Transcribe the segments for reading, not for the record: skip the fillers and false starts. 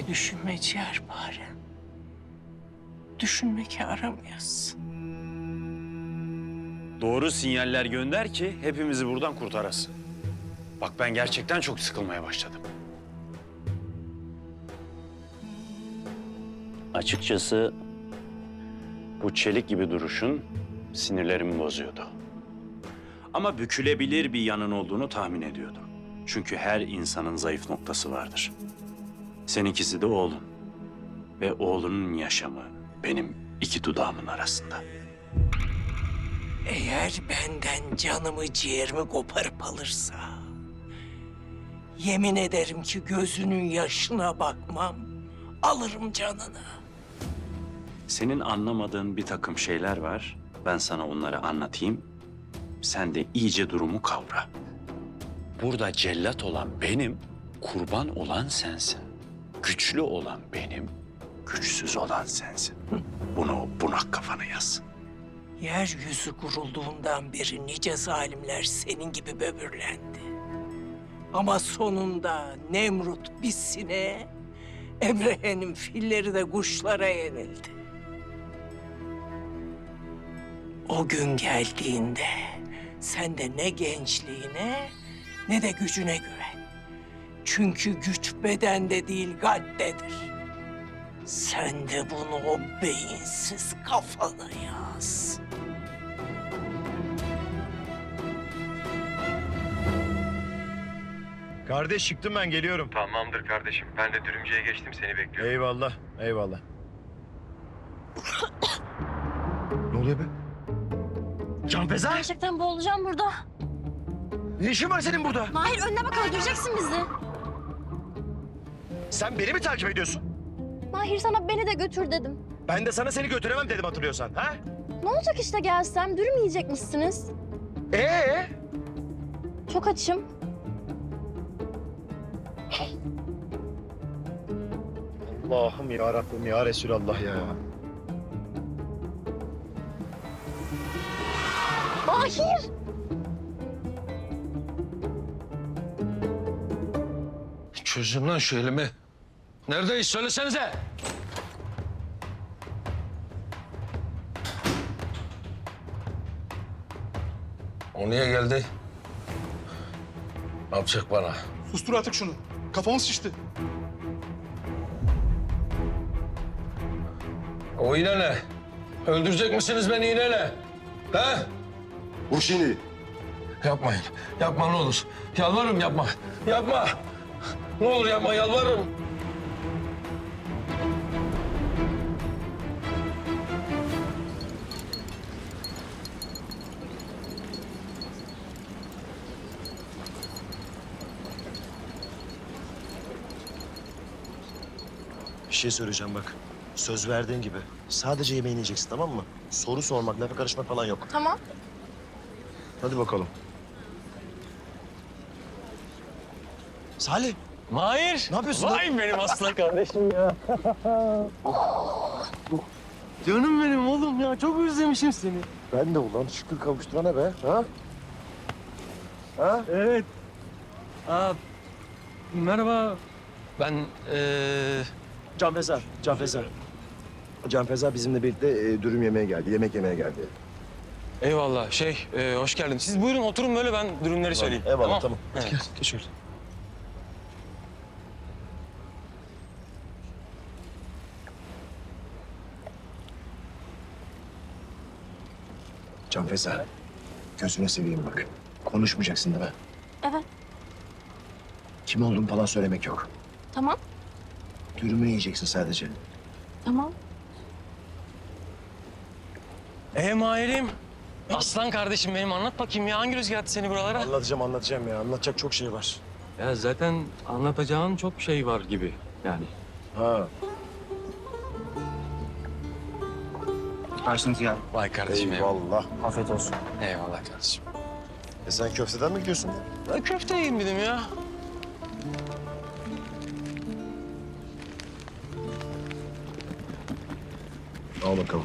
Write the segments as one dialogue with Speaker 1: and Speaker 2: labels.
Speaker 1: Düşünme ciğerpare. Düşünme ki aramıyorsun.
Speaker 2: Doğru sinyaller gönder ki hepimizi buradan kurtarasın. Bak ben gerçekten çok sıkılmaya başladım. Açıkçası bu çelik gibi duruşun sinirlerimi bozuyordu. Ama bükülebilir bir yanın olduğunu tahmin ediyordum. Çünkü her insanın zayıf noktası vardır. Seninkisi de oğlun. Ve oğlunun yaşamı benim iki dudağımın arasında.
Speaker 1: Eğer benden canımı ciğerimi koparıp alırsa... yemin ederim ki gözünün yaşına bakmam, alırım canını.
Speaker 2: Senin anlamadığın bir takım şeyler var. Ben sana onları anlatayım. Sen de iyice durumu kavra. Burada cellat olan benim, kurban olan sensin. Güçlü olan benim, güçsüz olan sensin. Bunu bunak kafana yaz.
Speaker 1: Yeryüzü kurulduğundan beri nice zalimler senin gibi böbürlendi. Ama sonunda Nemrut bir sineğe, Emrehe'nin filleri de kuşlara yenildi. O gün geldiğinde sen de ne gençliğine ne de gücüne güven. Çünkü güç bedende değil kalptedir. Sen de bunu o beyinsiz kafana yaz.
Speaker 3: Kardeş çıktım ben geliyorum.
Speaker 4: Tamamdır kardeşim. Ben de dürümcüye geçtim, seni bekliyorum.
Speaker 3: Eyvallah, eyvallah. Ne oluyor be? Canfeza!
Speaker 5: Gerçekten boğulacağım burada.
Speaker 3: Ne işin var senin burada?
Speaker 5: Mahir önüne bak, öldüreceksin bizi.
Speaker 3: Sen beni mi takip ediyorsun?
Speaker 5: Mahir sana beni de götür dedim.
Speaker 3: Ben de sana seni götüremem dedim hatırlıyorsan, ha?
Speaker 5: Ne olacak işte gelsem? Dürüm yiyecekmişsiniz. Çok açım.
Speaker 3: Allah'ım ya Rabbim ya Resulallah ya.
Speaker 5: Mahir!
Speaker 6: Çözün lan şu elimi. Neredeyiz söylesenize. O niye geldi? Ne yapacak bana?
Speaker 7: Sustur artık şunu. Kafamız şişti.
Speaker 6: O yine ne? Öldürecek misiniz beni yine ne? He?
Speaker 3: Vur şimdi.
Speaker 6: Yapmayın. Yapma ne olur. Yalvarırım yapma. Yapma. Ne olur yapma yalvarırım.
Speaker 8: Bir şey söyleyeceğim bak. Söz verdiğin gibi. Sadece yemeğini yiyeceksin, tamam mı? Soru sormak, lafa karışmak falan yok.
Speaker 5: Tamam.
Speaker 8: Hadi bakalım. Salih,
Speaker 6: Mahir.
Speaker 8: ne yapıyorsun lan?
Speaker 6: Vay benim aslan kardeşim ya.
Speaker 8: Canım benim oğlum ya. Çok özlemişim seni. Ben de ulan şükür kavuşturana be. Ha? Ha?
Speaker 6: Evet. Merhaba. Ben
Speaker 8: Canfeza, Canfeza. Canfeza bizimle birlikte dürüm yemeye geldi, yemek yemeye geldi.
Speaker 9: Eyvallah. Hoş geldin. Siz buyurun oturun böyle, ben dürümleri söyleyeyim.
Speaker 8: Eyvallah, tamam.
Speaker 9: Evet.
Speaker 8: Gel, geç şöyle. Canfeza, gözüne seveyim bak. Konuşmayacaksın değil mi?
Speaker 5: Evet.
Speaker 8: Kim olduğunu falan söylemek yok.
Speaker 5: Tamam.
Speaker 8: Dürümünü yiyeceksin sadece.
Speaker 5: Tamam.
Speaker 9: Mahir'im. Aslan kardeşim benim, anlat bakayım ya. Hangi rüzgar attı seni buralara?
Speaker 8: Anlatacağım ya. Anlatacak çok şey var.
Speaker 9: Ya zaten anlatacağın çok şey var gibi yani.
Speaker 8: Ha.
Speaker 7: Karşınız geldi.
Speaker 9: Vay kardeşim
Speaker 8: Eyvallah. Afiyet olsun.
Speaker 9: Eyvallah kardeşim.
Speaker 8: Sen köfteden mi gidiyorsun?
Speaker 9: Ben köfte yiyeyim dedim ya.
Speaker 8: Al bakalım.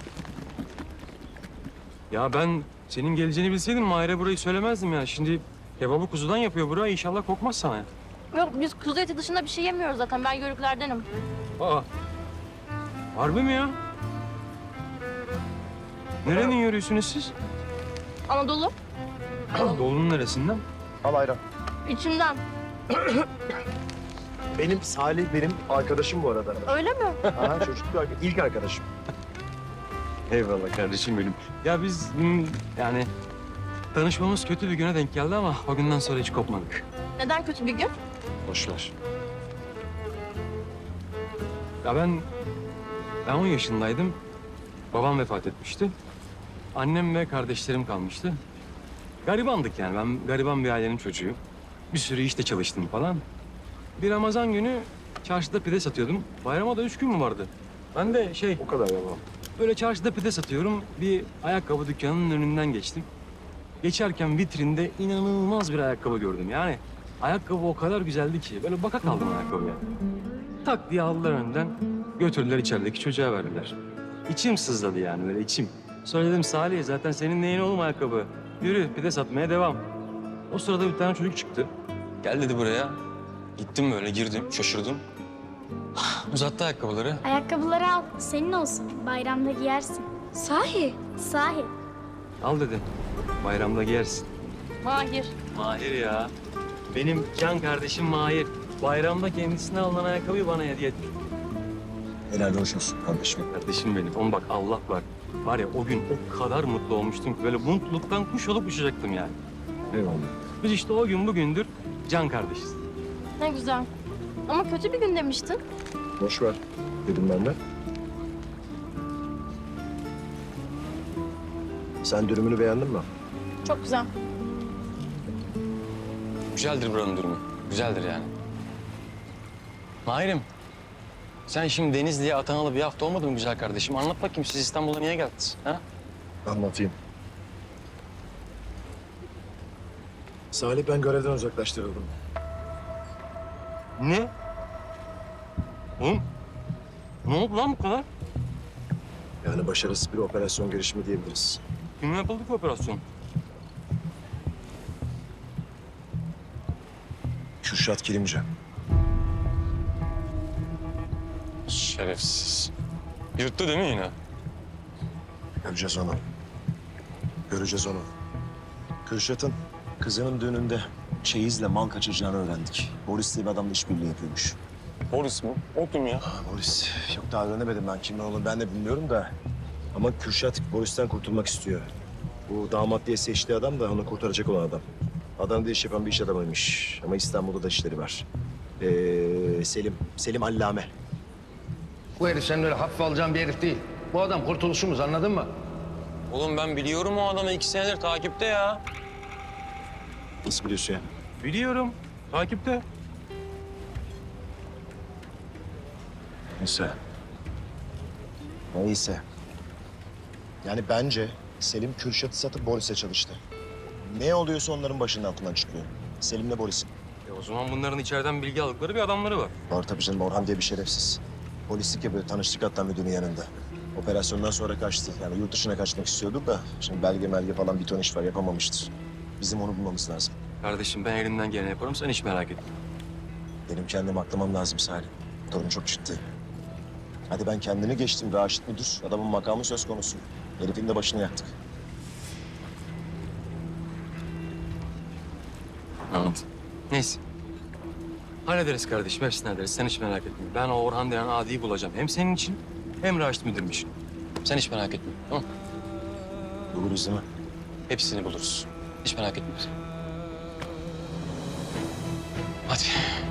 Speaker 9: Ya ben senin geleceğini bilseydim Mahir'e burayı söylemezdim ya. Şimdi kebabı kuzudan yapıyor buraya. İnşallah kokmaz sana ya.
Speaker 5: Yok biz kuzu eti dışında bir şey yemiyoruz zaten. Ben yörüklerdenim.
Speaker 9: Aa. Harbi mi ya? Nerenin yürüyorsunuz siz?
Speaker 5: Anadolu
Speaker 9: Doğunun neresinden?
Speaker 3: Al ayran.
Speaker 5: içimden.
Speaker 3: Benim Salih benim arkadaşım bu arada.
Speaker 5: Öyle mi?
Speaker 3: Ha, çocukluk ilk arkadaşım.
Speaker 9: Eyvallah kardeşim benim. Ya biz yani tanışmamız kötü bir güne denk geldi ama o günden sonra hiç kopmadık.
Speaker 5: Neden kötü bir gün?
Speaker 9: Boş ver. Ya ben 10 yaşındaydım. Babam vefat etmişti. Annem ve kardeşlerim kalmıştı. Garibandık yani. Ben gariban bir ailenin çocuğuyum. Bir sürü işte çalıştım falan. Bir Ramazan günü çarşıda pide satıyordum. Bayrama da 3 gün mü vardı? Ben de
Speaker 3: O kadar ya.
Speaker 9: böyle çarşıda pide satıyorum. Bir ayakkabı dükkanının önünden geçtim. Geçerken vitrinde inanılmaz bir ayakkabı gördüm. Yani ayakkabı o kadar güzeldi ki böyle baka kaldım ayakkabıya. Tak diye aldılar önden, götürdüler içerideki çocuğa verdiler. İçim sızladı yani böyle içim. Sonra dedim Salih zaten senin neyin oğlum ayakkabı? Yürü pide satmaya devam. O sırada bir tane çocuk çıktı. Gel dedi buraya. Gittim böyle girdim şaşırdım. Uzattı ayakkabıları.
Speaker 10: Ayakkabıları al, senin olsun. Bayramda giyersin. Sahi? Sahi.
Speaker 9: Al dedi. Bayramda giyersin.
Speaker 5: Mahir.
Speaker 9: Mahir ya. Benim can kardeşim Mahir. Bayramda kendisine alınan ayakkabıyı bana hediye etti.
Speaker 8: Helal hoş olsun kardeşim.
Speaker 9: Kardeşim benim. Oğlum bak Allah var. Var ya o gün o kadar mutlu olmuştum ki böyle mutluluktan kuş olup uçacaktım yani.
Speaker 8: Eyvallah.
Speaker 9: Biz işte o gün bugündür can kardeşiz.
Speaker 5: Ne güzel. Ama kötü bir gün demiştin.
Speaker 3: Boş ver dedim ben de. Sen dürümünü beğendin mi?
Speaker 5: Çok güzel.
Speaker 9: Güzeldir buranın durumu. Güzeldir yani. Mahir'im. Sen şimdi Denizli'ye atanalı bir hafta olmadı mı güzel kardeşim? Anlat bakayım siz İstanbul'a niye geldiniz? Ha?
Speaker 3: Anlatayım. Salih ben görevden uzaklaştırıldım.
Speaker 9: Ne? Oğlum ne oldu lan bu kadar?
Speaker 3: Yani başarısız bir operasyon girişimi diyebiliriz.
Speaker 9: Kimle yapıldı ki operasyon?
Speaker 3: Kürşat Kilimci.
Speaker 9: Şerefsiz. Yırttı değil mi yine?
Speaker 3: Göreceğiz onu. Göreceğiz onu. Kürşat'ın kızının düğününde çeyizle mal kaçıracağını öğrendik. Boris diye bir adamla işbirliği yapıyormuş.
Speaker 9: Boris mi? O kim ya?
Speaker 3: Boris. Yok daha öğrenemedim ben kimin olduğunu ben de bilmiyorum da. Ama Kürşat Boris'ten kurtulmak istiyor. Bu damat diye seçtiği adam da onu kurtaracak olan adam. Adana'da iş yapan bir iş adamıymış. Ama İstanbul'da da işleri var. Selim Allame.
Speaker 11: Bu herif senin öyle hafife alacağın bir herif değil. Bu adam kurtuluşumuz, anladın mı?
Speaker 9: Oğlum ben biliyorum o adamı 2 senedir takipte ya.
Speaker 3: Nasıl biliyorsun ya?
Speaker 9: Biliyorum. Takipte.
Speaker 3: Neyse. Neyse. Yani bence Selim Kürşat'ı satıp Boris'e çalıştı. Ne oluyorsa onların başının altından çıkıyor. Selim'le Boris'in.
Speaker 9: O zaman bunların içeriden bilgi aldıkları bir adamları var.
Speaker 3: Var tabii canım, Orhan diye bir şerefsiz. Polislik yapıyor, tanıştık hatta müdürün yanında. Operasyondan sonra kaçtı. Yani yurt dışına kaçmak istiyordu da şimdi belge falan bir ton iş var, yapamamıştır. Bizim onu bulmamız lazım.
Speaker 9: Kardeşim ben elimden geleni yaparım sen hiç merak etme.
Speaker 3: Benim kendimi aklamam lazım Salim. Durum çok ciddi. Hadi ben kendini geçtim, Raşit müdür. Adamın makamı söz konusu. Herifin de başını yaktık.
Speaker 9: Anladım. Neyse. Hallederiz kardeşim, hepsini hallederiz. Sen hiç merak etme. Ben o Orhan denen adiyi bulacağım. Hem senin için hem Raşit müdürüm için. Sen hiç merak etme, tamam mı?
Speaker 3: Buluruz değil mi?
Speaker 9: Hepsini buluruz. Hiç merak etme. Hadi.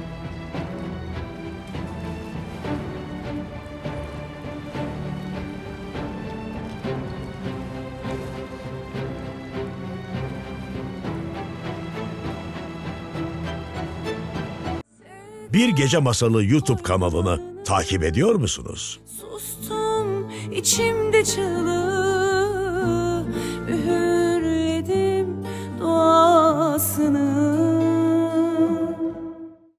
Speaker 12: Bir Gece Masalı YouTube kanalını takip ediyor musunuz?
Speaker 13: Sustum içimde çığlığı, üğürledim duasını.